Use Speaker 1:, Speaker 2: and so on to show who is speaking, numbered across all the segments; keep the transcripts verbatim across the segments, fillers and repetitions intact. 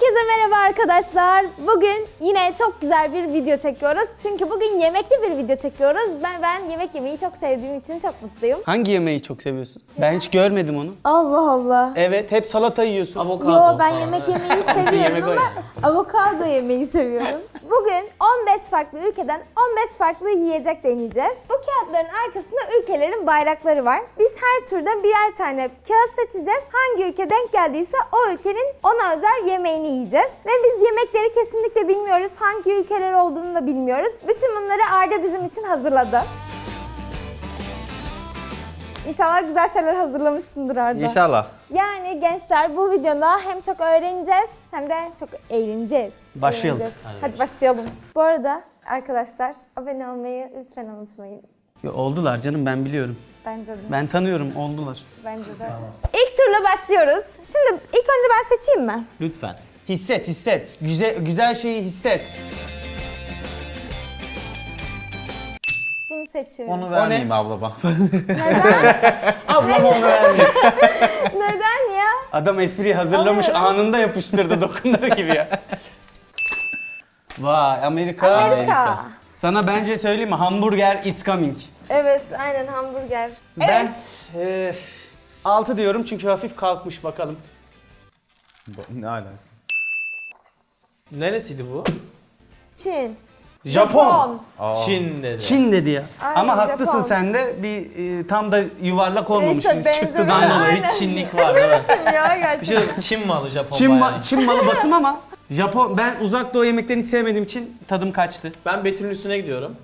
Speaker 1: Herkese merhaba arkadaşlar. Bugün yine çok güzel bir video çekiyoruz. Çünkü bugün yemekli bir video çekiyoruz. Ben ben yemek yemeyi çok sevdiğim için çok mutluyum.
Speaker 2: Hangi yemeği çok seviyorsun? Ben hiç görmedim onu.
Speaker 1: Allah Allah.
Speaker 2: Evet, hep salata yiyorsun.
Speaker 3: Avokado.
Speaker 1: Yo, ben yemek yemeyi seviyorum
Speaker 3: yemek o
Speaker 1: ama
Speaker 3: yani.
Speaker 1: avokado yemeyi seviyorum. Bugün on beş farklı ülkeden on beş farklı yiyecek deneyeceğiz. Bu kağıtların arkasında ülkelerin bayrakları var. Biz her turda birer tane kağıt seçeceğiz. Hangi ülke denk geldiyse o ülkenin ona özel yemeğini yiyeceğiz. Ve biz yemekleri kesinlikle bilmiyoruz. Hangi ülkeler olduğunu da bilmiyoruz. Bütün bunları Arda bizim için hazırladı. İnşallah güzel şeyler hazırlamışsındır Arda.
Speaker 2: İnşallah.
Speaker 1: Yani gençler bu videoda hem çok öğreneceğiz hem de çok eğleneceğiz.
Speaker 2: Başlayalım.
Speaker 1: Eğleneceğiz. Hadi başlayalım. Bu arada arkadaşlar abone olmayı lütfen unutmayın.
Speaker 2: Yo, oldular canım, ben biliyorum.
Speaker 1: Bence de.
Speaker 2: Ben tanıyorum, oldular.
Speaker 1: Bence de. İlk turla başlıyoruz. Şimdi ilk önce ben seçeyim mi?
Speaker 3: Lütfen.
Speaker 2: Hisset, hisset. Güzel, güzel şeyi hisset.
Speaker 1: Bunu seçiyorum.
Speaker 3: Onu vermeyeyim ablama.
Speaker 1: Neden?
Speaker 2: Ablam onu vermiyor.
Speaker 1: Neden ya?
Speaker 2: Adam espriyi hazırlamış,
Speaker 1: Alıyorum.
Speaker 2: anında yapıştırdı, dokunduğu gibi ya. Vay, Amerika.
Speaker 1: Amerika.
Speaker 2: Sana bence söyleyeyim mi? Hamburger is coming.
Speaker 1: Evet, aynen hamburger.
Speaker 2: Ben
Speaker 1: Evet.
Speaker 2: e, altı diyorum çünkü hafif kalkmış, bakalım.
Speaker 3: Ne alaka? Neresiydi bu?
Speaker 1: Çin.
Speaker 2: Japon.
Speaker 3: Çin dedi.
Speaker 2: Çin dedi ya.
Speaker 1: Aynen,
Speaker 2: Ama haklısın
Speaker 1: Japon.
Speaker 2: sen de, bir e, tam da yuvarlak olmamış.
Speaker 1: Neyse,
Speaker 2: Biz çıktı
Speaker 1: benzemedi.
Speaker 2: da.
Speaker 3: Aynen
Speaker 1: Aynen.
Speaker 3: hiç Çinlik var evet.
Speaker 1: Çin ya
Speaker 3: Bir
Speaker 1: gerçekten.
Speaker 3: şey Çin malı Japon
Speaker 2: Çin,
Speaker 3: bayağı.
Speaker 2: ma- Çin malı basım ama Japon, ben uzak doğu yemeklerini hiç sevmediğim için tadım kaçtı.
Speaker 3: Ben Betül'ün üstüne gidiyorum.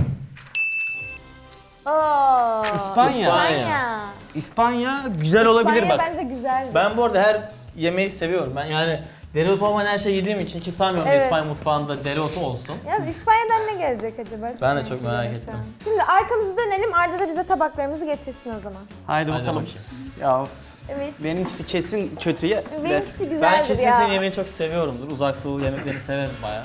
Speaker 1: Oo.
Speaker 2: İspanya.
Speaker 1: İspanya.
Speaker 2: İspanya güzel olabilir
Speaker 1: İspanya
Speaker 2: bak.
Speaker 1: bence güzel.
Speaker 3: Ben bu arada her yemeği seviyorum. Ben yani dereotu olmayan her şeyi yediğim için ki sanmıyorum
Speaker 1: Evet.
Speaker 3: İspanya mutfağında dereotu olsun.
Speaker 1: Yalnız İspanya'dan ne gelecek acaba?
Speaker 3: Ben de çok merak
Speaker 1: ediyorum şu
Speaker 3: ettim.
Speaker 1: an. Şimdi arkamızı dönelim. Arda da bize tabaklarımızı getirsin o zaman.
Speaker 2: Haydi
Speaker 3: Hadi
Speaker 2: bakalım.
Speaker 3: bakayım.
Speaker 2: Ya of,
Speaker 1: Evet.
Speaker 2: benimkisi kesin kötü ya.
Speaker 1: Benimkisi güzeldir
Speaker 3: Ben kesin
Speaker 1: ya.
Speaker 3: senin yemeğini çok seviyorumdur. Uzak doğu yemeklerini severim bayağı.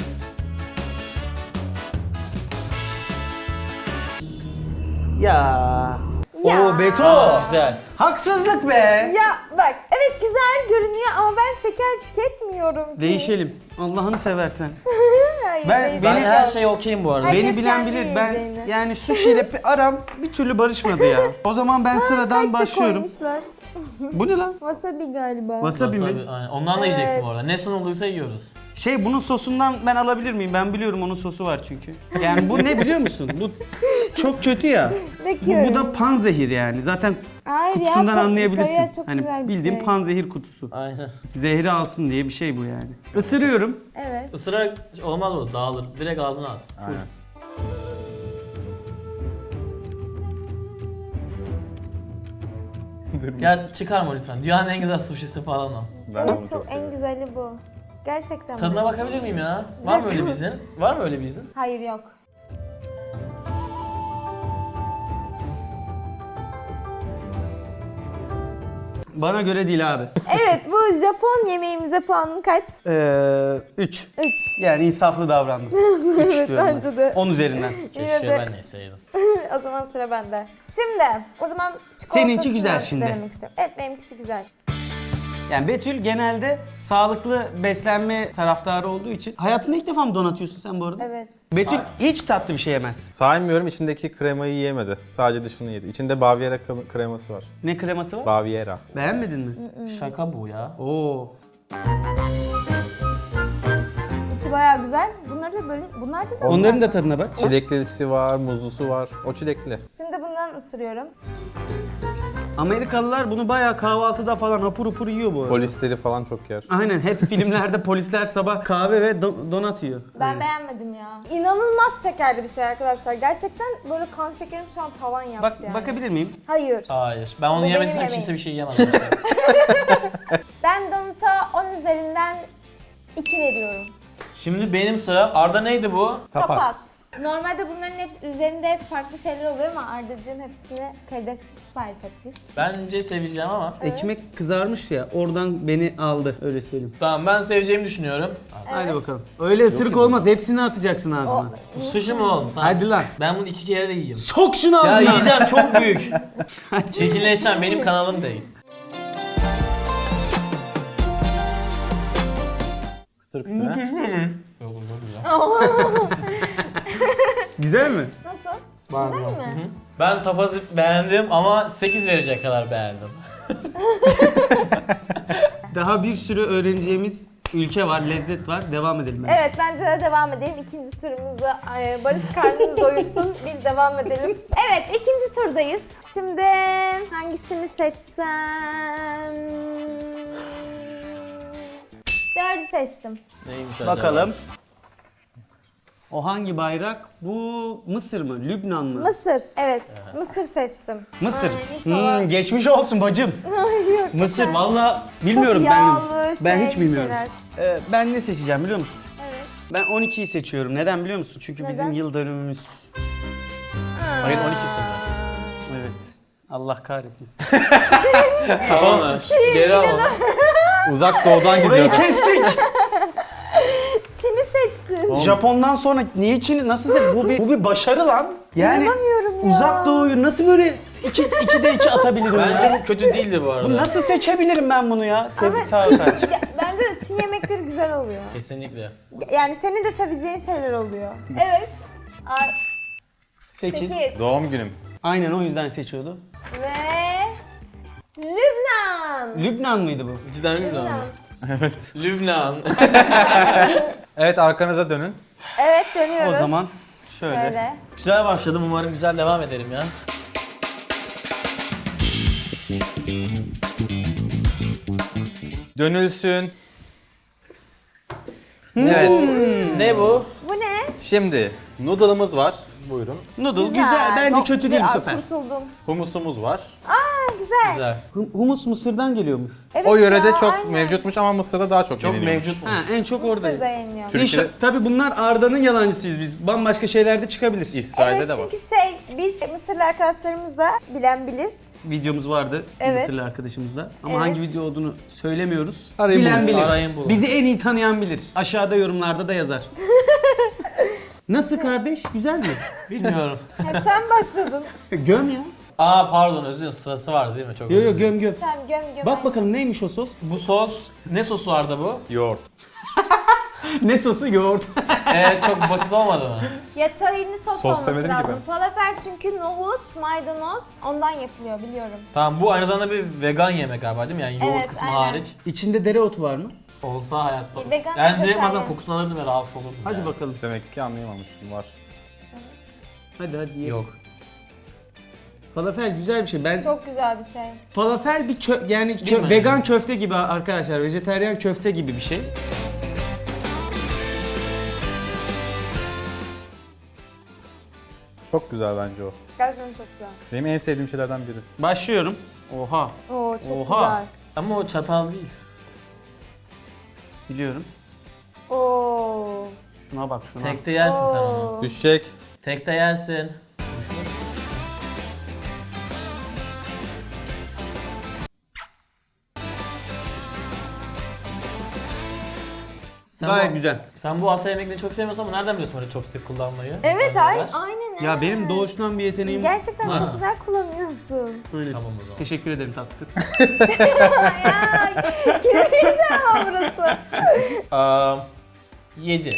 Speaker 2: Ya.
Speaker 1: Ya.
Speaker 2: Oo Beto.
Speaker 3: Aa, güzel.
Speaker 2: Haksızlık be.
Speaker 1: Ya bak evet güzel görünüyor ama ben şeker tüketmiyorum ki.
Speaker 2: Değişelim. Allah'ını seversen.
Speaker 1: Hayır,
Speaker 2: Ben-
Speaker 1: değişik
Speaker 3: Ben
Speaker 2: Beni-
Speaker 3: her
Speaker 1: yok.
Speaker 3: şeye okeyim bu arada.
Speaker 1: Herkes
Speaker 2: Beni bilen
Speaker 1: kendi
Speaker 2: bilir. Ben
Speaker 1: yiyeceğini.
Speaker 2: yani sushi ile pe- aram bir türlü barışmadı ya. O zaman ben sıradan
Speaker 1: Kalp de
Speaker 2: başlıyorum.
Speaker 1: koymuşlar.
Speaker 2: Bu ne lan?
Speaker 1: Wasabi galiba.
Speaker 2: Wasabi mi?
Speaker 3: Wasabi, aynen. Ondan da yiyeceksin
Speaker 1: Evet.
Speaker 3: bu arada. Ne sunulduysa yiyoruz.
Speaker 2: Şey, bunun sosundan ben alabilir miyim? Ben biliyorum, onun sosu var çünkü. Yani bu ne biliyor musun? Bu çok kötü ya. Bu,
Speaker 1: Bekliyorum.
Speaker 2: bu da panzehir yani. Zaten
Speaker 1: Hayır ya,
Speaker 2: kutusundan
Speaker 1: pa-
Speaker 2: anlayabilirsin.
Speaker 1: soya çok
Speaker 2: Hani
Speaker 1: güzel bir
Speaker 2: bildiğin
Speaker 1: şey.
Speaker 2: panzehir kutusu.
Speaker 3: Aynen.
Speaker 2: Zehri alsın diye bir şey bu yani. Isırıyorum.
Speaker 1: Evet.
Speaker 3: Isırarak olmaz o, dağılır. Direkt ağzına at.
Speaker 2: Aynen.
Speaker 3: Gel çıkarma lütfen. Dünyanın en güzel suşisi falan o.
Speaker 4: Ben de onu
Speaker 1: Evet
Speaker 4: çok
Speaker 1: çok en
Speaker 4: seviyorum.
Speaker 1: güzeli bu. Gerçekten
Speaker 3: Tadına
Speaker 1: bu.
Speaker 3: bakabilir miyim ya? Var mı öyle bir izin? Var mı öyle bir izin?
Speaker 1: Hayır yok.
Speaker 2: Bana göre değil abi.
Speaker 1: Evet bu Japon yemeğimize puanın kaç?
Speaker 2: Ee, üç.
Speaker 1: üç.
Speaker 2: Yani insaflı davrandım. üç
Speaker 1: Evet,
Speaker 2: diyorum ben.
Speaker 1: bence de.
Speaker 2: on üzerinden.
Speaker 3: Keşke
Speaker 1: de-
Speaker 3: ben neyseydim.
Speaker 1: O zaman sıra bende. Şimdi o zaman
Speaker 2: Seninki güzel
Speaker 1: çikolatasını
Speaker 2: şimdi.
Speaker 1: denemek istiyorum. Evet benimkisi güzel.
Speaker 2: Yani Betül genelde sağlıklı beslenme taraftarı olduğu için. Hayatında ilk defa mı donatıyorsun sen bu arada?
Speaker 1: Evet.
Speaker 2: Betül hiç tatlı bir şey yemez.
Speaker 4: Saymıyorum, içindeki kremayı yiyemedi. Sadece dışını yedi. İçinde Baviera krem- kreması var.
Speaker 2: Ne kreması var?
Speaker 4: Baviera.
Speaker 2: Beğenmedin mi?
Speaker 3: Şaka bu ya.
Speaker 2: Oo.
Speaker 1: İçi bayağı güzel. Bunları da böyle, bunlar da böyle.
Speaker 2: Onların da tadına bak.
Speaker 4: Çileklisi var, muzlusu var. O çilekli.
Speaker 1: Şimdi bundan ısırıyorum.
Speaker 2: Amerikalılar bunu bayağı kahvaltıda falan hapur hapur yiyor bu arada.
Speaker 4: Polisleri falan çok yer.
Speaker 2: Aynen, hep filmlerde polisler sabah kahve ve do- donat yiyor.
Speaker 1: Ben beğenmedim ya. İnanılmaz şekerli bir şey arkadaşlar. Gerçekten böyle kan şekerim şu an tavan yaptı
Speaker 2: Bak,
Speaker 1: yani.
Speaker 2: bakabilir miyim?
Speaker 1: Hayır.
Speaker 3: Hayır. Ben onu
Speaker 1: Bu
Speaker 3: yemediysem
Speaker 1: benim
Speaker 3: kimse
Speaker 1: yemeğim.
Speaker 3: bir şey yiyemez.
Speaker 1: Ben Donut'a on üzerinden iki veriyorum.
Speaker 3: Şimdi benim sıram. Arda neydi bu?
Speaker 1: Tapas. Normalde bunların hepsi üzerinde hep farklı şeyler oluyor ama Arda'cığım hepsini karidesli sipariş etmiş.
Speaker 3: Bence seveceğim ama.
Speaker 2: Ekmek kızarmış ya, oradan beni aldı, öyle söyleyeyim.
Speaker 3: Tamam ben seveceğimi düşünüyorum.
Speaker 2: Hadi bakalım. Öyle ısırık olmaz, hepsini atacaksın ağzına.
Speaker 3: Bu sushi mi oğlum? Tamam.
Speaker 2: Hadi lan.
Speaker 3: Ben bunu iki kere de yiyeyim.
Speaker 2: Sok şunu
Speaker 3: Ya
Speaker 2: ağzına.
Speaker 3: yiyeceğim çok büyük. Çirkinleşeceğim benim kanalım değil.
Speaker 4: Kıtır kıtır.
Speaker 2: Güzel mi?
Speaker 1: Nasıl? Güzel mi?
Speaker 3: Ben tapazı beğendim ama sekiz verecek kadar beğendim.
Speaker 2: Daha bir sürü öğreneceğimiz ülke var, lezzet var. Devam edelim. bence.
Speaker 1: Evet bence de devam edelim. İkinci turumuzda e, Barış karnını doyursun. Biz devam edelim. Evet ikinci turdayız. Şimdi hangisini seçsem? Dördü seçtim.
Speaker 3: Neymiş acaba?
Speaker 2: Bakalım. O hangi bayrak? Bu Mısır mı? Lübnan mı?
Speaker 1: Mısır. Evet. Mısır seçtim.
Speaker 2: Mısır.
Speaker 1: Ay, inşallah.
Speaker 2: Hmm, geçmiş olsun bacım.
Speaker 1: Ay, yok.
Speaker 2: Mısır valla bilmiyorum
Speaker 1: Çok
Speaker 2: ben.
Speaker 1: yağlı,
Speaker 2: Ben
Speaker 1: şey
Speaker 2: hiç bilmiyorum.
Speaker 1: şeyler.
Speaker 2: Ee, ben ne seçeceğim biliyor musun?
Speaker 1: Evet.
Speaker 2: Ben on ikiyi seçiyorum. Neden biliyor musun? Çünkü bizim
Speaker 1: Neden?
Speaker 2: yıl dönümümüz.
Speaker 3: Ayın on ikisi mi?
Speaker 2: Evet. Allah kahretmesin.
Speaker 3: Tamam. Geri al onu.
Speaker 4: Uzak doğudan
Speaker 2: Burayı
Speaker 4: gidiyor.
Speaker 2: kestik.
Speaker 1: Çin'i seçtin.
Speaker 2: Japon'dan sonra niye Çin'i nasıl se- bu bir bu bir başarı lan. Yani
Speaker 1: İnanamıyorum ya.
Speaker 2: Uzak Doğu'yu nasıl böyle iki ikide iki atabilirim
Speaker 3: Bence
Speaker 2: ya?
Speaker 3: bu kötü değildi bu arada.
Speaker 2: Bu nasıl seçebilirim ben bunu ya?
Speaker 1: Ama
Speaker 2: Sağ ol
Speaker 1: Çin-
Speaker 2: kardeşim.
Speaker 1: Ya, bence de Çin yemekleri güzel oluyor.
Speaker 3: Kesinlikle.
Speaker 1: Yani senin de seveceğin şeyler oluyor. Evet. Ar-
Speaker 2: sekiz.
Speaker 1: sekiz.
Speaker 4: Doğum günüm.
Speaker 2: Aynen o yüzden seçiyordu.
Speaker 1: Ve Lübnan.
Speaker 2: Lübnan mıydı bu?
Speaker 3: Cidden Lübnan
Speaker 1: Lübnan.
Speaker 3: mı?
Speaker 4: Evet.
Speaker 3: Lübnan.
Speaker 4: Evet, arkanıza dönün.
Speaker 1: Evet dönüyoruz.
Speaker 2: O zaman şöyle.
Speaker 1: Şöyle.
Speaker 3: Güzel başladım. Umarım güzel devam ederim ya.
Speaker 4: Dönülsün.
Speaker 3: Evet. Ne bu?
Speaker 1: Bu ne?
Speaker 4: Şimdi noodle'ımız var. Buyurun.
Speaker 2: Noodle güzel. Bence
Speaker 1: No-
Speaker 2: kötü değil bu
Speaker 1: Aa,
Speaker 2: sefer.
Speaker 1: Kurtuldum.
Speaker 4: Humusumuz var.
Speaker 1: Aa güzel.
Speaker 3: Güzel.
Speaker 2: Hum- Humus Mısır'dan geliyormuş.
Speaker 1: Evet
Speaker 4: O yörede
Speaker 1: ya,
Speaker 4: çok
Speaker 1: aynen.
Speaker 4: mevcutmuş ama Mısır'da daha çok,
Speaker 3: Çok
Speaker 4: yeniliyormuş.
Speaker 3: mevcut mu?
Speaker 2: Ha en çok orada.
Speaker 1: Mısır'da yeniliyor.
Speaker 4: Türkiye'de-
Speaker 2: İnşa- Tabii bunlar Arda'nın yalancısıyız biz. Bambaşka şeyler de çıkabilir.
Speaker 4: İsrail'de
Speaker 1: Evet
Speaker 4: de var.
Speaker 1: çünkü şey biz Mısırlı arkadaşlarımız da bilen bilir.
Speaker 2: Videomuz vardı
Speaker 1: Evet.
Speaker 2: Mısırlı arkadaşımızla. Ama
Speaker 1: Evet.
Speaker 2: hangi video olduğunu söylemiyoruz.
Speaker 4: Arayın
Speaker 2: Bilen
Speaker 4: bulun.
Speaker 2: bilir.
Speaker 3: Arayın bulun.
Speaker 2: Bizi en iyi tanıyan bilir. Aşağıda yorumlarda da yazar. Nasıl kardeş? Güzel mi?
Speaker 3: Bilmiyorum.
Speaker 1: Ha, sen başladın.
Speaker 2: Göm ya.
Speaker 3: Aa pardon özür dilerim. Sırası vardı değil mi? Çok
Speaker 2: Yo
Speaker 3: özür
Speaker 2: yo
Speaker 3: dilerim.
Speaker 2: göm göm.
Speaker 1: Tamam göm göm.
Speaker 2: Bak bakalım neymiş o sos?
Speaker 3: Bu sos, ne sosu vardı bu?
Speaker 4: Yoğurt.
Speaker 2: Ne sosu? Yoğurt.
Speaker 3: Ee, çok basit olmadı mı?
Speaker 1: Ya tahinli sos,
Speaker 4: Sos
Speaker 1: olması
Speaker 4: demedim ki
Speaker 1: lazım.
Speaker 4: ben.
Speaker 1: Falafel çünkü nohut, maydanoz ondan yapılıyor biliyorum.
Speaker 3: Tamam bu aynı zamanda bir vegan yemek galiba değil mi? Yani yoğurt
Speaker 1: Evet,
Speaker 3: kısmı
Speaker 1: aynen.
Speaker 3: hariç.
Speaker 2: İçinde dereotu var mı?
Speaker 3: Olsa hayatta.
Speaker 1: Bir vegan
Speaker 3: Yani direkt
Speaker 1: vejetaryen.
Speaker 3: bazen kokusunu alırdım ve rahatsız olurdum.
Speaker 2: Hadi
Speaker 3: yani.
Speaker 2: bakalım.
Speaker 4: Demek ki anlayamamışsın, var.
Speaker 2: Hadi hadi ye.
Speaker 3: Yok.
Speaker 2: Falafel güzel bir şey. Ben
Speaker 1: Çok güzel bir şey.
Speaker 2: falafel bir kö- yani kö-
Speaker 3: Değil mi?
Speaker 2: vegan köfte gibi arkadaşlar. Vejeteryan köfte gibi bir şey.
Speaker 4: Çok güzel bence o.
Speaker 1: Gerçekten çok güzel.
Speaker 4: Benim en sevdiğim şeylerden biri.
Speaker 2: Başlıyorum. Oha.
Speaker 1: Oo çok
Speaker 2: Oha.
Speaker 1: güzel.
Speaker 3: Ama o çatal değil.
Speaker 2: Biliyorum.
Speaker 1: Oo.
Speaker 2: Şuna bak şuna.
Speaker 3: Tekte yersin sen onu.
Speaker 1: Oo.
Speaker 4: Düşecek.
Speaker 3: Tekte yersin. Sen
Speaker 2: Gayet
Speaker 3: bu,
Speaker 2: güzel.
Speaker 3: Sen bu Asya yemeklerini çok sevmiyorsun ama nereden biliyorsun böyle chopstick kullanmayı?
Speaker 1: Evet
Speaker 3: Nereden
Speaker 1: ay,
Speaker 3: ver?
Speaker 1: aynen öyle.
Speaker 2: Ya benim doğuştan bir yeteneğim.
Speaker 1: Gerçekten
Speaker 3: Ha.
Speaker 1: çok güzel kullanıyorsun.
Speaker 2: Öyle.
Speaker 3: Tamam o zaman.
Speaker 2: Teşekkür ederim tatlı kız.
Speaker 1: ya kimiydi ama burası?
Speaker 3: Aa, yedi.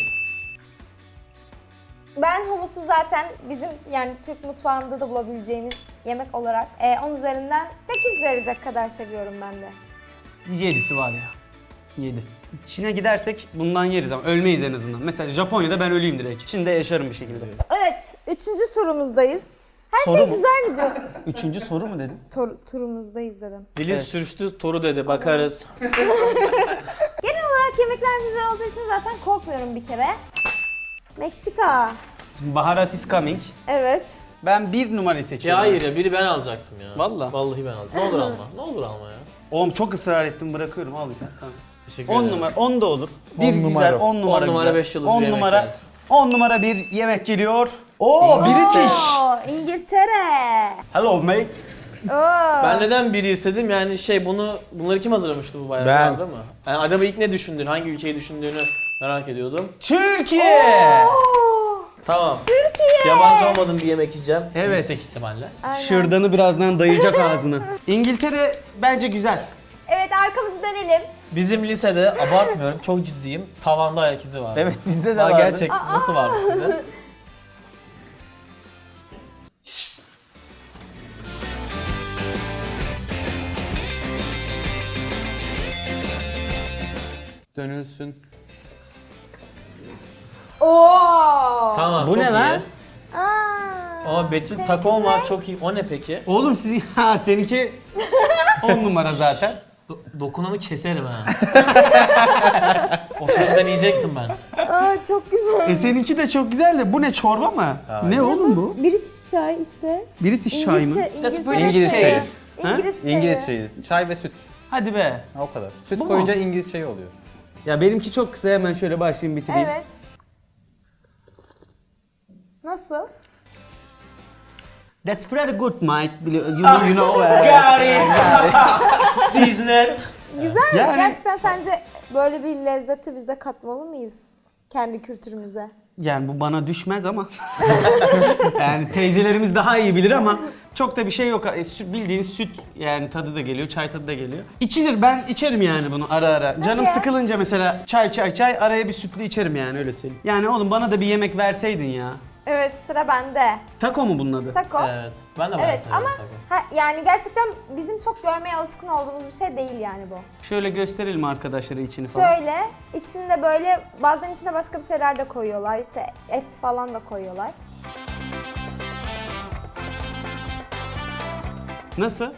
Speaker 1: Ben humusu zaten bizim yani Türk mutfağında da bulabileceğimiz yemek olarak e, on üzerinden sekiz verecek kadar seviyorum ben de.
Speaker 2: Yedisi var ya. Yedi. Çin'e gidersek bundan yeriz ama ölmeyiz en azından. Mesela Japonya'da ben öleyim direkt. Çin'de yaşarım bir şekilde.
Speaker 1: Evet, üçüncü turumuzdayız. Her
Speaker 2: Soru
Speaker 1: şey
Speaker 2: mu?
Speaker 1: güzel gidiyor.
Speaker 2: Üçüncü soru mu dedin?
Speaker 1: Tur, turumuzdayız dedim.
Speaker 3: Dilin
Speaker 2: Evet.
Speaker 3: sürçtü toru dedi bakarız.
Speaker 1: Genel olarak yemekler güzel olduğu için zaten korkmuyorum bir kere. Meksika.
Speaker 2: Baharat is coming.
Speaker 1: Evet.
Speaker 2: Ben bir numarayı
Speaker 3: Ya
Speaker 2: seçiyorum.
Speaker 3: hayır ya biri ben alacaktım ya.
Speaker 2: Vallahi.
Speaker 3: Vallahi ben aldım. Ne olur alma. Ne olur alma ya.
Speaker 2: Oğlum çok ısrar ettim bırakıyorum al ya. Tamam.
Speaker 3: Teşekkür
Speaker 2: on
Speaker 3: ederim.
Speaker 2: numara, on da olur. Bir
Speaker 4: On
Speaker 2: güzel,
Speaker 4: numara.
Speaker 2: on numara
Speaker 3: On numara,
Speaker 2: güzel.
Speaker 3: beş yıldızlı
Speaker 2: on
Speaker 3: bir yemek
Speaker 2: numara,
Speaker 3: gelsin.
Speaker 2: on numara bir yemek geliyor. Oo, British.
Speaker 1: Oo, İngiltere.
Speaker 2: Hello mate.
Speaker 1: Oo.
Speaker 3: Ben neden biri istedim yani şey bunu bunları kim hazırlamıştı bu
Speaker 4: Ben.
Speaker 3: bayraklarda mı? Yani acaba ilk ne düşündün, hangi ülkeyi düşündüğünü merak ediyordum.
Speaker 2: Türkiye.
Speaker 1: Oo,
Speaker 3: Tamam.
Speaker 1: Türkiye.
Speaker 3: Yabancı olmadığım bir yemek yiyeceğim.
Speaker 2: Evet.
Speaker 3: Yüksek ihtimalle.
Speaker 1: Aynen.
Speaker 2: Şırdanı birazdan dayayacak ağzına. İngiltere bence güzel.
Speaker 1: Evet arkamızı dönelim.
Speaker 3: Bizim lisede abartmıyorum, çok ciddiyim. Tavanda ayak izi vardı.
Speaker 2: Evet bizde de
Speaker 3: Aa,
Speaker 2: vardı.
Speaker 3: gerçek nasıl vardı sizde?
Speaker 4: Dönülsün.
Speaker 1: Oo.
Speaker 3: Tamam,
Speaker 2: Bu
Speaker 3: çok
Speaker 2: ne
Speaker 3: iyi.
Speaker 2: lan?
Speaker 1: Aa.
Speaker 3: Ama Betül
Speaker 1: Seninkisi
Speaker 3: takon
Speaker 1: ne?
Speaker 3: var, çok iyi. O ne peki?
Speaker 2: Oğlum siz ha seninki on numara zaten.
Speaker 3: Do- dokunanı keserim ha. O sözden yiyecektim ben.
Speaker 1: Aa, çok güzel.
Speaker 2: E seninki de çok güzel de bu ne çorba mı? Ne oğlum bu?
Speaker 1: British çay işte.
Speaker 2: British çay mı?
Speaker 1: İngiltere-
Speaker 3: That's
Speaker 1: İngiltere
Speaker 3: British
Speaker 1: çayı.
Speaker 3: çayı.
Speaker 2: Ha?
Speaker 1: İngiliz çayı.
Speaker 4: İngiliz çayı. Çay ve süt.
Speaker 2: Hadi be.
Speaker 4: Ha, o kadar. Süt
Speaker 2: Bu mu?
Speaker 4: koyunca İngiliz çayı oluyor.
Speaker 2: Ya benimki çok kısa hemen şöyle başlayayım bitireyim.
Speaker 1: Evet. Nasıl?
Speaker 2: That's pretty good mate. Bili- You know, you know. eh.
Speaker 3: Got it! Diznet.
Speaker 1: Güzel mi?
Speaker 2: Yani-
Speaker 1: Gerçekten sence böyle bir lezzeti biz de katmalı mıyız? Kendi kültürümüze.
Speaker 2: Yani bu bana düşmez ama. Yani teyzelerimiz daha iyi bilir ama çok da bir şey yok. E, sü- Bildiğin süt yani tadı da geliyor, çay tadı da geliyor. İçilir, ben içerim yani bunu ara ara. Canım
Speaker 1: ya?
Speaker 2: sıkılınca mesela çay çay çay araya bir sütlü içerim yani öyle söyleyeyim. Yani oğlum bana da bir yemek verseydin ya.
Speaker 1: Evet, sıra bende.
Speaker 2: Taco mu bunun adı?
Speaker 1: Taco.
Speaker 3: Evet, ben de
Speaker 1: Evet
Speaker 3: beğendim
Speaker 1: ama
Speaker 3: tabii.
Speaker 1: ha, yani gerçekten bizim çok görmeye alışkın olduğumuz bir şey değil yani bu.
Speaker 2: Şöyle gösterelim arkadaşlara içini falan.
Speaker 1: Şöyle içinde böyle bazen içine başka bir şeyler de koyuyorlar. İşte et falan da koyuyorlar.
Speaker 2: Nasıl?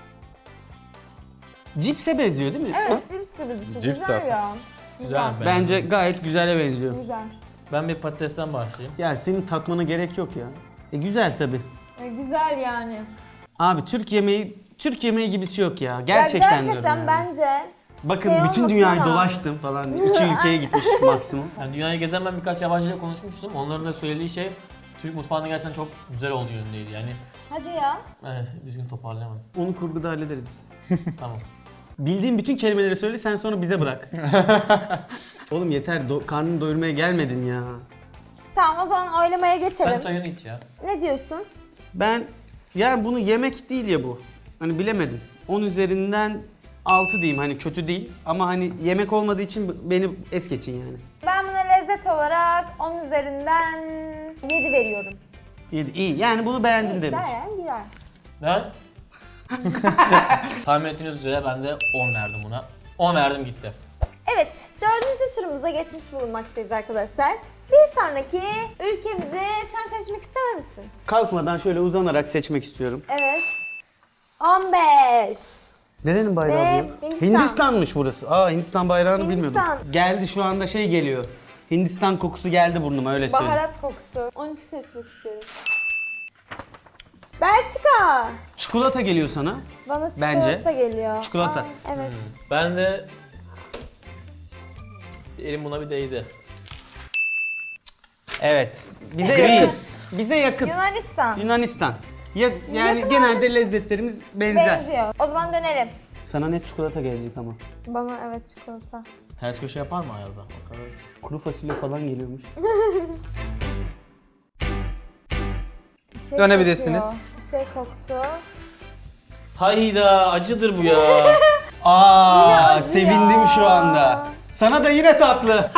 Speaker 2: Cipse benziyor değil mi?
Speaker 1: Evet, cips gibi düşün.
Speaker 4: Cips
Speaker 1: Güzel
Speaker 4: zaten.
Speaker 1: ya.
Speaker 3: Güzel mi?
Speaker 2: Bence gayet güzele benziyor.
Speaker 1: Güzel.
Speaker 3: Ben bir patatesten başlayayım.
Speaker 2: Ya senin tatmana gerek yok ya. E güzel tabi.
Speaker 1: E, güzel yani.
Speaker 2: Abi Türk yemeği, Türk yemeği gibisi yok ya.
Speaker 1: Ya
Speaker 2: Gerçekten,
Speaker 1: gerçekten
Speaker 2: diyorum yani.
Speaker 1: bence
Speaker 2: Bakın
Speaker 1: şey
Speaker 2: bütün
Speaker 1: olmasın
Speaker 2: dünyayı
Speaker 1: ama-
Speaker 2: dolaştım falan. İki ülkeye gitmiş maksimum.
Speaker 3: Yani dünyayı gezen ben birkaç yabancıyla konuşmuştum. Onların da söylediği şey Türk mutfağında gerçekten çok güzel olduğu yönündeydi. Yani
Speaker 1: hadi ya.
Speaker 3: evet, düzgün toparlayamadım.
Speaker 2: Onu kurguda hallederiz biz.
Speaker 3: Tamam.
Speaker 2: Bildiğin bütün kelimeleri söyle sen sonra bize bırak. Oğlum yeter do- karnını doyurmaya gelmedin ya.
Speaker 1: Tamam, o zaman oylamaya geçelim.
Speaker 3: Sen çayını iç ya.
Speaker 1: Ne diyorsun?
Speaker 2: Ben yani bunu yemek değil ya bu. Hani bilemedim. on üzerinden altı diyeyim hani kötü değil ama hani yemek olmadığı için beni es geçin yani.
Speaker 1: Ben buna lezzet olarak on üzerinden yedi veriyorum.
Speaker 2: yedi iyi yani bunu beğendin demek.
Speaker 1: Güzel yani, güzel.
Speaker 3: Ben tahmin ettiğiniz üzere ben de on verdim buna. on verdim gitti.
Speaker 1: Evet, dördüncü turumuza geçmiş bulunmaktayız arkadaşlar. Bir sonraki ülkemizi sen seçmek ister misin?
Speaker 2: Kalkmadan şöyle uzanarak seçmek istiyorum.
Speaker 1: Evet. on beş.
Speaker 2: Nerenin bayrağı
Speaker 1: Ve
Speaker 2: bu?
Speaker 1: Hindistan.
Speaker 2: Hindistan'mış burası. Aa Hindistan bayrağını
Speaker 1: Hindistan.
Speaker 2: bilmiyordum. Geldi şu anda şey geliyor. Hindistan kokusu geldi burnuma öyle söyleyeyim.
Speaker 1: Baharat kokusu. on üç seçmek istiyorum. Belçika.
Speaker 2: Çikolata geliyor sana.
Speaker 1: Bana çikolata
Speaker 2: Bence.
Speaker 1: geliyor.
Speaker 2: Çikolata.
Speaker 1: Aa, evet.
Speaker 3: Ben de elim buna bir değdi.
Speaker 2: Evet. Bize
Speaker 3: Greece.
Speaker 2: yakın. Bize yakın.
Speaker 1: Yunanistan.
Speaker 2: Yunanistan. Ya, yani
Speaker 1: Yakın
Speaker 2: genelde
Speaker 1: olması-
Speaker 2: lezzetlerimiz benzer.
Speaker 1: Benziyor. O zaman dönelim.
Speaker 2: Sana net çikolata gelecek ama.
Speaker 1: Bana evet çikolata.
Speaker 3: Ters köşe yapar mı ayarda? Bakalım.
Speaker 2: Kuru fasulye falan geliyormuş.
Speaker 1: Bir şey
Speaker 4: Dönebilirsiniz.
Speaker 1: kokuyor. Bir şey koktu.
Speaker 3: Hayda, acıdır bu ya.
Speaker 2: Aa,
Speaker 1: acı
Speaker 2: sevindim
Speaker 1: ya.
Speaker 2: şu anda. Sana da yine tatlı.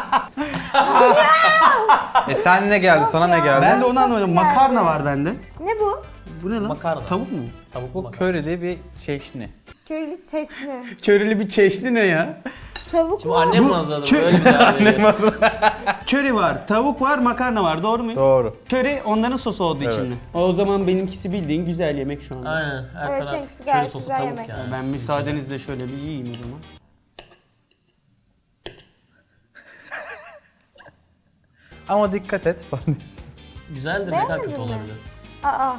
Speaker 4: E sen ne geldi? Sana ne geldi?
Speaker 2: ben de onu anlamadım.
Speaker 1: geldi.
Speaker 2: Makarna var bende.
Speaker 1: Ne bu?
Speaker 2: Bu ne lan?
Speaker 3: Makarna.
Speaker 2: Tavuk mu?
Speaker 3: Tavuk
Speaker 4: Bu
Speaker 3: mu?
Speaker 4: körili bir çeşni.
Speaker 1: Körili çeşni.
Speaker 2: Körili bir çeşni ne ya?
Speaker 1: Tavuk
Speaker 3: Şimdi
Speaker 1: mu?
Speaker 3: annem mi hazırladı? Böyle bir daha
Speaker 2: Köri var, tavuk var, makarna var. Doğru mu?
Speaker 4: Doğru.
Speaker 2: Köri onların sosu olduğu için
Speaker 4: Evet.
Speaker 2: mi? O zaman benimkisi bildiğin güzel yemek şu anda.
Speaker 3: Aynen. Her
Speaker 1: Evet,
Speaker 3: taraf
Speaker 1: seninkisi
Speaker 3: köri
Speaker 1: gayet
Speaker 3: sosu,
Speaker 1: güzel
Speaker 3: tavuk
Speaker 1: yemek.
Speaker 3: yani.
Speaker 2: Ben müsaadenizle şöyle bir yiyeyim o zaman.
Speaker 4: Ama dikkat et falan.
Speaker 3: Güzeldir, ne kadar kötü
Speaker 1: Beğenmedin mi?
Speaker 3: olabilir.
Speaker 1: Aa.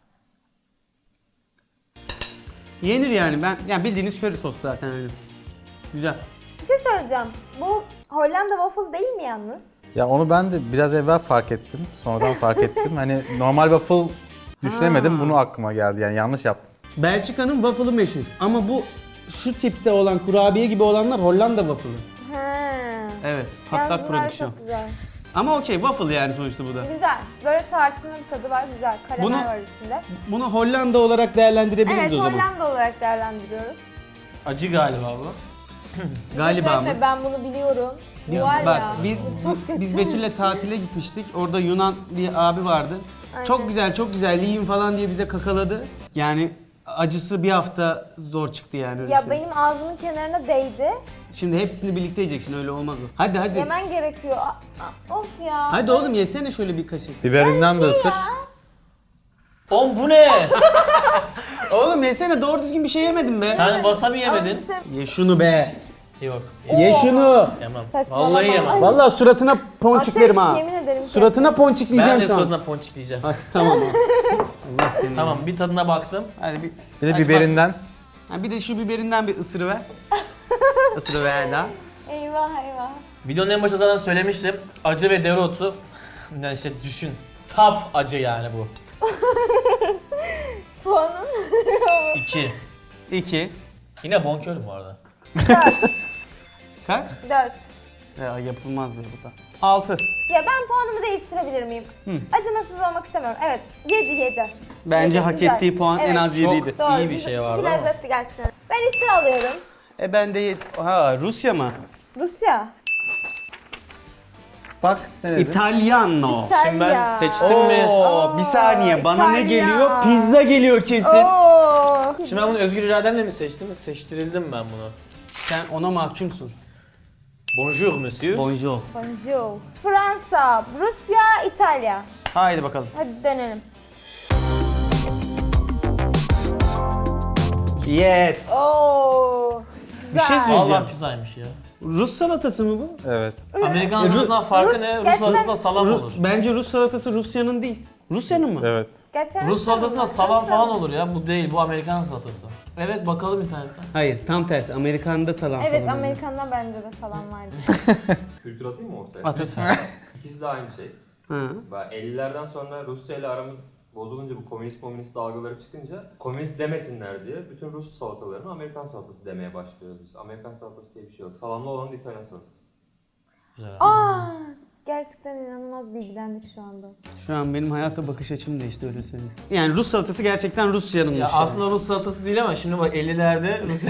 Speaker 2: Yenir yani ben yani bildiğiniz köri sos zaten öyle. Güzel.
Speaker 1: Bir şey söyleyeceğim. Bu Hollanda waffle değil mi yalnız?
Speaker 4: Ya onu ben de biraz evvel fark ettim. Sonradan fark ettim. Hani normal waffle düşünemedim.
Speaker 2: Aa.
Speaker 4: Bunu aklıma geldi. Yani yanlış yaptım.
Speaker 2: Belçika'nın waffle'ı meşhur ama bu şu tipte olan kurabiye gibi olanlar Hollanda waffle'ı.
Speaker 1: Ha.
Speaker 2: Evet,
Speaker 1: Yalnız
Speaker 2: patlak
Speaker 1: bunlar
Speaker 2: prodüksiyon.
Speaker 1: çok güzel.
Speaker 2: Ama okey waffle yani sonuçta bu da.
Speaker 1: Güzel. Böyle tarçınlı bir tadı var. Güzel. Karamel
Speaker 2: Bunu-
Speaker 1: var içinde.
Speaker 2: Bunu Hollanda olarak değerlendirebiliriz
Speaker 1: Evet,
Speaker 2: o zaman.
Speaker 1: Hollanda olarak değerlendiriyoruz.
Speaker 3: Acı galiba bu.
Speaker 2: Galiba mı?
Speaker 1: Söyleme, ben bunu biliyorum. Bu
Speaker 2: Biz
Speaker 1: var
Speaker 2: bak
Speaker 1: ya,
Speaker 2: biz
Speaker 1: bu çok kötü.
Speaker 2: biz Betül'le tatile gitmiştik. Orada Yunan bir abi vardı.
Speaker 1: Aynen.
Speaker 2: Çok güzel, çok güzel yiyin falan diye bize kakaladı. Yani acısı bir hafta zor çıktı yani öyle
Speaker 1: Ya
Speaker 2: söyleyeyim.
Speaker 1: benim ağzımın kenarına değdi.
Speaker 2: Şimdi hepsini birlikte yiyeceksin, öyle olmaz o. Hadi hadi.
Speaker 1: Yemen gerekiyor. Aa, aa, of ya.
Speaker 2: Hadi oğlum yesene şöyle bir kaşık.
Speaker 4: Biberinden de
Speaker 1: Şey
Speaker 4: ısır.
Speaker 1: ya.
Speaker 3: Oğlum bu ne?
Speaker 2: Oğlum yesene, doğru düzgün bir şey yemedin be.
Speaker 3: Sen wasabi
Speaker 1: Ama
Speaker 3: yemedin.
Speaker 1: size-
Speaker 2: Ye şunu be.
Speaker 3: Yok.
Speaker 2: Ye şunu.
Speaker 3: Yemem.
Speaker 1: Saçmalama.
Speaker 3: Vallahi yemem.
Speaker 1: Ay,
Speaker 2: Vallahi suratına ponçiklerim
Speaker 1: Ateş,
Speaker 2: ha.
Speaker 1: yemin ederim ki.
Speaker 2: Suratına
Speaker 3: Ben de
Speaker 2: ponçikleyeceğim şu an.
Speaker 3: suratına ponçikleyeceğim.
Speaker 2: Ha, tamam. Allah seni.
Speaker 3: Tamam bir tadına baktım.
Speaker 2: Hadi bir.
Speaker 4: Bir de
Speaker 2: hadi
Speaker 4: biberinden.
Speaker 2: bak. Ha, bir de şu biberinden bir ısırıver. Isırıver daha.
Speaker 1: Eyvah eyvah.
Speaker 3: Videonun en başında zaten söylemiştim. Acı ve dereotu. Yani işte düşün. Tap acı yani bu.
Speaker 1: Puanın
Speaker 3: İki.
Speaker 2: İki.
Speaker 3: Yine bonkörüm bu arada.
Speaker 1: dört.
Speaker 2: Kaç?
Speaker 1: dört.
Speaker 2: Ya yapılmaz be bu da. Altı.
Speaker 1: Ya ben puanımı değiştirebilir miyim? Acımasız olmak istemiyorum. Evet. yedi yedi.
Speaker 2: Bence
Speaker 1: Yedi,
Speaker 2: hak
Speaker 1: güzel.
Speaker 2: ettiği puan en
Speaker 1: Evet.
Speaker 2: az yediydi.
Speaker 1: Doğru.
Speaker 3: İyi bir şey vardı
Speaker 1: Çünkü
Speaker 3: ama.
Speaker 1: lezzetli gerçekten. Ben içi alıyorum.
Speaker 2: E ben de yed- ha Rusya mı?
Speaker 1: Rusya.
Speaker 4: Bak ne dedim?
Speaker 2: İtalyano.
Speaker 1: İtalya.
Speaker 3: Şimdi ben seçtim mi?
Speaker 2: Oo, bir saniye bana ne
Speaker 1: İtalya.
Speaker 2: geliyor? Pizza geliyor kesin.
Speaker 1: Oo.
Speaker 3: Şimdi ben bunu özgür irademle mi seçtim? Seçtirildim ben bunu.
Speaker 2: Sen ona mahkumsun.
Speaker 3: Bonjour monsieur.
Speaker 2: Bonjour.
Speaker 1: Bonjour. Fransa, Rusya, İtalya.
Speaker 2: Haydi bakalım.
Speaker 1: Hadi dönelim.
Speaker 2: Yes.
Speaker 1: Oo. Güzel.
Speaker 2: Bir şey söyleyeceğim.
Speaker 3: Vallahi pizzaymış ya.
Speaker 2: Rus salatası mı bu?
Speaker 4: Evet.
Speaker 3: Amerikan
Speaker 2: Rus-
Speaker 3: salatasından farkı
Speaker 1: Rus-
Speaker 3: ne? Rus
Speaker 1: gerçekten-
Speaker 3: salatasında salam
Speaker 2: Ru-
Speaker 3: olur.
Speaker 2: Bence Rus salatası Rusya'nın değil. Rusya'nın mı?
Speaker 4: Evet.
Speaker 1: Gerçekten
Speaker 3: Rus salatasında salam
Speaker 1: Rus
Speaker 3: falan olur ya. Bu değil. Bu Amerikan salatası. Evet bakalım internetten.
Speaker 2: Hayır, tam tersi. Amerikan'da salam
Speaker 1: Evet,
Speaker 2: falan.
Speaker 1: Amerikan'da bence de salam vardı.
Speaker 5: Kültür atayım mı ortaya?
Speaker 2: At lütfen.
Speaker 5: İkisi de aynı şey.
Speaker 2: Ha.
Speaker 5: Ben ellilerden sonra Rusya ile aramız bozulunca, bu komünist komünist dalgaları çıkınca komünist demesinler diye bütün Rus salatalarını Amerikan salatası demeye başlıyoruz biz. Amerikan salatası diye bir şey yok. Salamlı olan da İtalyan salatası.
Speaker 3: Güzel.
Speaker 1: Aa, gerçekten inanılmaz bilgilendik şu anda.
Speaker 2: Şu an benim hayata bakış açım değişti, öyle söyleyeyim. Yani Rus salatası gerçekten Rusya'nınmış.
Speaker 3: Ya
Speaker 2: yani.
Speaker 3: aslında Rus salatası değil ama şimdi bak ellilerde Rusya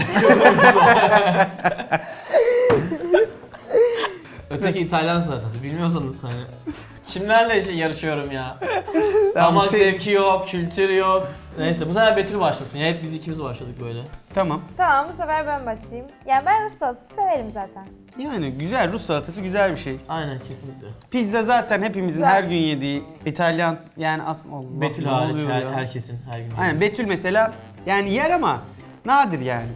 Speaker 3: Öteki İtalyan salatası. Bilmiyorsanız hani. Kimlerle şey yarışıyorum ya? Damak
Speaker 2: siz-
Speaker 3: zevki yok, kültür yok. Neyse bu sefer Betül başlasın ya. Hep biz ikimiz başladık böyle.
Speaker 2: Tamam.
Speaker 1: Tamam, bu sefer ben başlayayım. Yani ben Rus salatası severim zaten.
Speaker 2: Yani güzel, Rus salatası güzel bir şey.
Speaker 3: Aynen kesinlikle.
Speaker 2: Pizza zaten hepimizin
Speaker 1: Güzel.
Speaker 2: her gün yediği İtalyan, yani aslında Allah,
Speaker 3: Betül
Speaker 2: ne
Speaker 3: hariç
Speaker 2: oluyor
Speaker 3: her,
Speaker 2: ya?
Speaker 3: herkesin her gün.
Speaker 2: Aynen, Betül mesela yani yer ama nadir yani.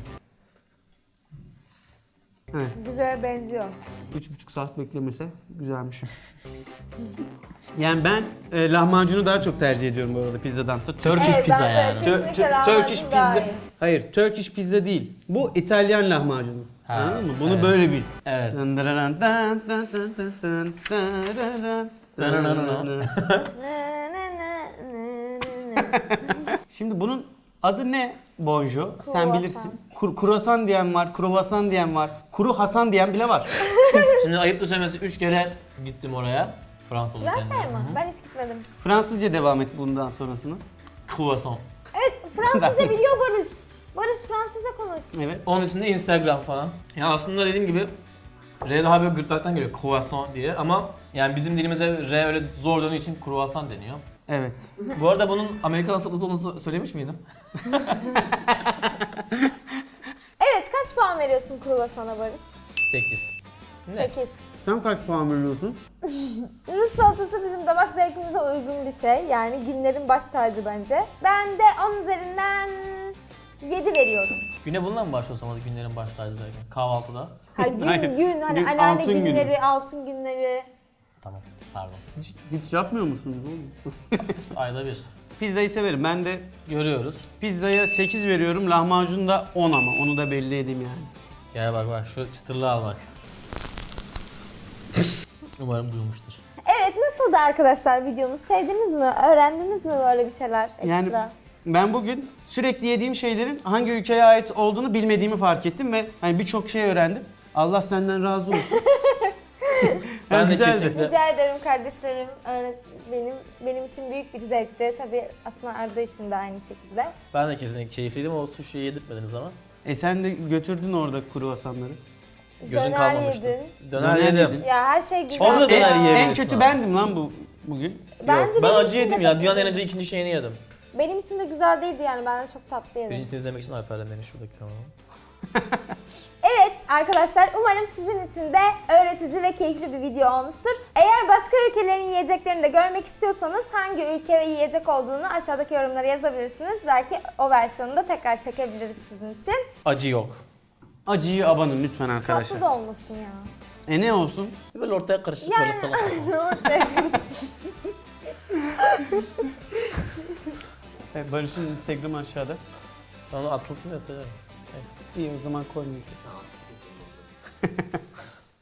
Speaker 2: Evet.
Speaker 1: Güzel benziyor.
Speaker 2: Üç buçuk saat beklemese güzelmiş. Yani ben e, lahmacunu daha çok tercih ediyorum bu arada pizzadansa.
Speaker 3: Turkish
Speaker 1: Evet,
Speaker 3: pizza
Speaker 1: bence
Speaker 3: yani.
Speaker 1: kesinlikle
Speaker 2: Tö- tö-
Speaker 1: lahmacun
Speaker 2: Turkish
Speaker 1: daha
Speaker 2: pizza.
Speaker 1: iyi.
Speaker 2: Hayır, Turkish pizza değil. Bu İtalyan lahmacunu.
Speaker 3: Ha,
Speaker 2: Anladın mı? Bunu
Speaker 3: evet.
Speaker 2: böyle bil.
Speaker 3: Evet.
Speaker 1: Ne, ne, ne, ne, ne, ne.
Speaker 2: Şimdi bunun adı ne Bonjo? Sen
Speaker 1: Kruvasan.
Speaker 2: bilirsin. Kur, kruvasan diyen var, kruvasan diyen var, kuru Hasan diyen bile var.
Speaker 3: Şimdi ayıp da söylemesi üç kere gittim oraya. Fransa olurken.
Speaker 1: Fransa'ya mı? Ben hiç gitmedim.
Speaker 2: Fransızca devam et bundan sonrasını.
Speaker 3: Croissant.
Speaker 1: Evet, Fransızca biliyor Barış. Barış Fransızca konuş.
Speaker 2: Evet.
Speaker 3: Onun için de Instagram falan. Ya aslında dediğim gibi R daha böyle gırtlaktan geliyor croissant diye ama yani bizim dilimize R öyle zor döndüğü için croissant deniyor.
Speaker 2: Evet.
Speaker 3: Bu arada bunun Amerikan salatası olduğunu so- söylemiş miydim?
Speaker 1: Evet, kaç puan veriyorsun kruvasana Barış?
Speaker 3: sekiz.
Speaker 1: sekiz.
Speaker 2: Sen kaç puan veriyorsun?
Speaker 1: Rus salatası bizim damak zevkimize uygun bir şey. Yani günlerin baş tacı bence. Ben de on üzerinden yedi veriyorum.
Speaker 3: Güne bununla mı başlıyorsam hadi günlerin baş tacı derken? Kahvaltıda.
Speaker 1: Ha, gün
Speaker 2: Hayır.
Speaker 1: gün hani
Speaker 2: Gün,
Speaker 1: anneanne
Speaker 2: altın günü.
Speaker 1: günleri, altın günleri.
Speaker 3: Tamam pardon.
Speaker 2: Hiç, hiç yapmıyor musunuz oğlum?
Speaker 3: Ayda bir.
Speaker 2: Pizzayı severim. Ben de
Speaker 3: Görüyoruz.
Speaker 2: pizzaya sekiz veriyorum. Lahmacun da on ama. Onu da belli edeyim yani.
Speaker 3: Gel bak bak şu çıtırlığı al bak. Umarım duymuştur.
Speaker 1: Evet, nasıldı arkadaşlar videomuz? Sevdiniz mi? Öğrendiniz mi böyle bir şeyler ekstra?
Speaker 2: Yani ben bugün sürekli yediğim şeylerin hangi ülkeye ait olduğunu bilmediğimi fark ettim ve hani birçok şey öğrendim. Allah senden razı olsun.
Speaker 3: Ben de
Speaker 2: güzeldi.
Speaker 3: kesinlikle-
Speaker 1: Rica ederim kardeşlerim. Öğret- Benim benim için büyük bir zevkti. Tabii aslında Arda için de aynı şekilde.
Speaker 3: Ben de kesinlikle keyifliydim. O suşiyi yedirtmediniz ama.
Speaker 2: E sen de götürdün orada kruvasanları.
Speaker 3: Gözün
Speaker 1: Döner
Speaker 3: kalmamıştı.
Speaker 1: yedin.
Speaker 3: Döner,
Speaker 2: Döner
Speaker 3: yedim.
Speaker 2: yedin.
Speaker 1: Ya her şey güzel.
Speaker 3: Orada da
Speaker 2: En,
Speaker 3: döner
Speaker 2: en
Speaker 3: yiyebilirsin
Speaker 2: kötü
Speaker 3: abi.
Speaker 2: bendim lan bu bugün.
Speaker 1: Bence
Speaker 3: Yok, ben
Speaker 1: benim
Speaker 3: acı
Speaker 1: için de
Speaker 3: yedim ya.
Speaker 1: kötü
Speaker 3: Dünyanın en
Speaker 1: değil.
Speaker 3: acı ikinci şeyini yedim.
Speaker 1: Benim için de güzel değildi yani. Ben de çok tatlı yedim.
Speaker 3: Birincisini izlemek için Alper'den beni şuradaki kanalı.
Speaker 1: Evet arkadaşlar umarım sizin için de öğretici ve keyifli bir video olmuştur. Eğer başka ülkelerin yiyeceklerini de görmek istiyorsanız hangi ülke ve yiyecek olduğunu aşağıdaki yorumlara yazabilirsiniz. Belki o versiyonu da tekrar çekebiliriz sizin için.
Speaker 3: Acı yok.
Speaker 2: Acıyı abanın lütfen arkadaşlar.
Speaker 1: Tatlı da olmasın ya.
Speaker 2: E ne olsun?
Speaker 3: Böyle ortaya karışık
Speaker 1: Yani
Speaker 3: böyle falan.
Speaker 1: ortaya karışık.
Speaker 2: Evet, Barış'ın Instagram'ı aşağıda.
Speaker 3: Onu atılsın diye söylerim. Neyse.
Speaker 2: İyi o zaman koymayayım.
Speaker 5: Tamam. kesin oldu.